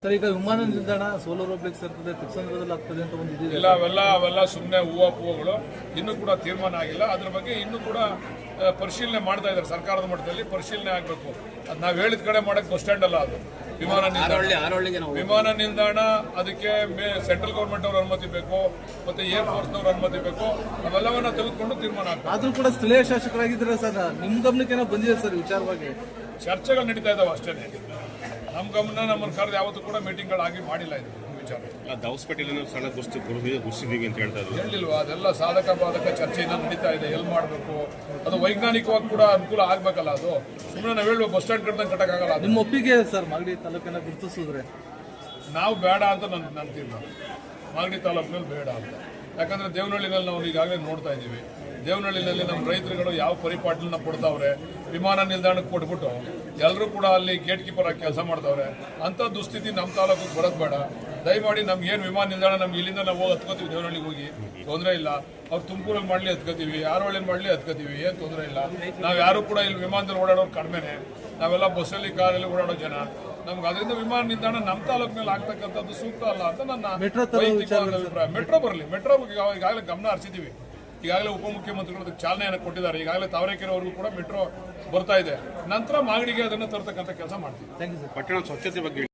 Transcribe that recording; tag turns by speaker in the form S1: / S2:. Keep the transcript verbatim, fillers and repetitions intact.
S1: Sir, ಈಗ ವಿಮಾನ ನಿಲ್ದಾಣ ಸೋಲರ್ ಹೋಗ್ಲಿಕ್ಕೆ ಸೇರ್ತದೆ, ತಿಪ್ಸಂದ್ರದಲ್ಲಿ ಆಗ್ತದೆ ಅಂತ ಒಂದು
S2: ಇಲ್ಲ. ಅವೆಲ್ಲ ಅವೆಲ್ಲ ಸುಮ್ಮನೆ ಹೂವು ಹೂವುಗಳು ಇನ್ನೂ ಕೂಡ ತೀರ್ಮಾನ ಆಗಿಲ್ಲ. ಅದ್ರ ಬಗ್ಗೆ ಇನ್ನೂ ಕೂಡ ಪರಿಶೀಲನೆ ಮಾಡ್ತಾ ಇದ್ದಾರೆ. ಸರ್ಕಾರದ ಮಟ್ಟದಲ್ಲಿ ಪರಿಶೀಲನೆ ಆಗಬೇಕು. ಅದು ನಾವು ಹೇಳಿದ ಕಡೆ ಮಾಡಕ್ಕೆ ಬಸ್ ಸ್ಟ್ಯಾಂಡ್ ಅಲ್ಲ, ಅದು ವಿಮಾನ ನಿಲ್ದಾಣ. ವಿಮಾನ ನಿಲ್ದಾಣ ಅದಕ್ಕೆ ಸೆಂಟ್ರಲ್ ಗೌರ್ಮೆಂಟ್ ಅವ್ರ ಅನುಮತಿ ಬೇಕು, ಮತ್ತೆ ಏರ್ ಫೋರ್ಸ್ ನವ್ರ ಅನುಮತಿ ಬೇಕು. ಅವೆಲ್ಲವನ್ನ ತೆಗೆದುಕೊಂಡು ತೀರ್ಮಾನ ಆಗ್ತದೆ.
S1: ಆದ್ರೂ ಕೂಡ ಸ್ಥಳೀಯ ಶಾಸಕರಾಗಿದ್ದಾರೆ ಸರ್, ನಿಮ್ ಗಮನಕ್ಕೆ ಬಂದಿದೆ ಸರ್ ವಿಚಾರವಾಗಿ?
S2: ಚರ್ಚೆಗಳು ನಡೀತಾ ಇದಾವೆ ಅಷ್ಟೇ. ನಮ್ಮ ಗಮನ ನಮ್ಮನ್ನು ಕರೆದು ಯಾವತ್ತೂ ಕೂಡ ಮೀಟಿಂಗ್ಗಳಾಗಿ ಮಾಡಿಲ್ಲ ಇದು ವಿಚಾರ.
S3: ದಾವಸ್ಪೇಟೆಯಲ್ಲಿ ಸಣ್ಣ ಗುಸ್ತಿ ಗುರುಸಿದೀವಿ ಅಂತ ಹೇಳ್ತಾ ಇದ್ದಾರೆ.
S2: ಹೇಳಿಲ್ವಾ? ಅದೆಲ್ಲ ಸಾಧಕ ಬಾಧಕ ಚರ್ಚೆಯಿಂದ ನಡೀತಾ ಇದೆ. ಎಲ್ಲಿ ಮಾಡಬೇಕು ಅದು ವೈಜ್ಞಾನಿಕವಾಗಿ ಕೂಡ ಅನುಕೂಲ ಆಗ್ಬೇಕಲ್ಲ. ಅದು ಸುಮ್ಮನೆ ನಾವು ಹೇಳುವ ಬಸ್ ಸ್ಟ್ಯಾಂಡ್ ಕಟ್ಟದಂಗೆ ಕಟ್ಟಕ್ಕಾಗಲ್ಲ.
S1: ನಿಮ್ಮ ಒಪ್ಪಿಗೆ ಸರ್ ಮಾಗಡಿ ತಾಲೂಕನ್ನ ಗುರುತಿಸಿದ್ರೆ?
S2: ನಾವು ಬೇಡ ಅಂತ ನನ್ನ ನನ್ನ ತೀರ್ಮಾನ. ಮಾಗಡಿ ತಾಲೂಕಿನಲ್ಲಿ ಬೇಡ ಅಂತ. ಯಾಕಂದ್ರೆ ದೇವನಹಳ್ಳಿನಲ್ಲಿ ನಾವು ಈಗಾಗಲೇ ನೋಡ್ತಾ ಇದ್ದೀವಿ. ದೇವನಹಳ್ಳಿನಲ್ಲಿ ನಮ್ಮ ರೈತರುಗಳು ಯಾವ ಪರಿಪಾಟಲನ್ನ ಕೊಡ್ತಾವ್ರೆ, ವಿಮಾನ ನಿಲ್ದಾಣಕ್ಕೆ ಕೊಟ್ಬಿಟ್ಟು ಎಲ್ಲರೂ ಕೂಡ ಅಲ್ಲಿ ಗೇಟ್ ಕೀಪರ್ ಆಗಿ ಕೆಲಸ ಮಾಡ್ತಾವ್ರೆ. ಅಂಥ ದುಸ್ಥಿತಿ ನಮ್ಮ ತಾಲೂಕಿಗೆ ಬರೋದು ಬೇಡ. ದಯಮಾಡಿ ನಮ್ಗೆ ಏನು ವಿಮಾನ ನಿಲ್ದಾಣ ನಮ್ಗೆ ಇಲ್ಲಿಂದ ನಾವು ಹೋಗಿ ಹತ್ಕೋತೀವಿ, ದೇವನಹಳ್ಳಿಗೆ ಹೋಗಿ ತೊಂದರೆ ಇಲ್ಲ. ಅವ್ರು ತುಮಕೂರಲ್ಲಿ ಮಾಡಲಿ ಹತ್ಕೋತೀವಿ, ಯಾರವಳ್ಳಿನ ಮಾಡಲಿ ಹತ್ಕೋತೀವಿ, ಏನು ತೊಂದರೆ ಇಲ್ಲ. ನಾವು ಯಾರು ಕೂಡ ಇಲ್ಲಿ ವಿಮಾನದಲ್ಲಿ ಓಡಾಡೋರು ಕಡಿಮೆನೆ. ನಾವೆಲ್ಲ ಬಸ್ಸಲ್ಲಿ ಕಾರಲ್ಲಿ ಓಡಾಡೋ ಜನ. ನಮ್ಗೆ ಅದರಿಂದ ವಿಮಾನ ನಿಲ್ದಾಣ ನಮ್ಮ ತಾಲೂಕಿನಲ್ಲಿ ಆಗ್ತಕ್ಕಂಥದ್ದು ಸೂಕ್ತ ಅಲ್ಲ ಅಂತ ನನ್ನ ವೈಯಕ್ತಿಕವಾದ ಅಭಿಪ್ರಾಯ. ಮೆಟ್ರೋ ಬರಲಿ. ಮೆಟ್ರೋ ಈಗಾಗಲೇ ಗಮನ ಹರಿಸಿದ್ದೀವಿ. ಈಗಾಗಲೇ ಉಪಮುಖ್ಯಮಂತ್ರಿಗಳು ಅದಕ್ಕೆ ಚಾಲನೆಯನ್ನು ಕೊಟ್ಟಿದ್ದಾರೆ. ಈಗಾಗಲೇ ತಾವರೆಕೆರೆವರೆಗೂ ಕೂಡ ಮೆಟ್ರೋ ಬರ್ತಾ ಇದೆ. ನಂತರ ಮಾಗಡಿಗೆ ಅದನ್ನು ತರತಕ್ಕಂಥ ಕೆಲಸ ಮಾಡ್ತೀವಿ.
S3: ಪಟ್ಟಣ ಸ್ವಚ್ಛತೆ ಬಗ್ಗೆ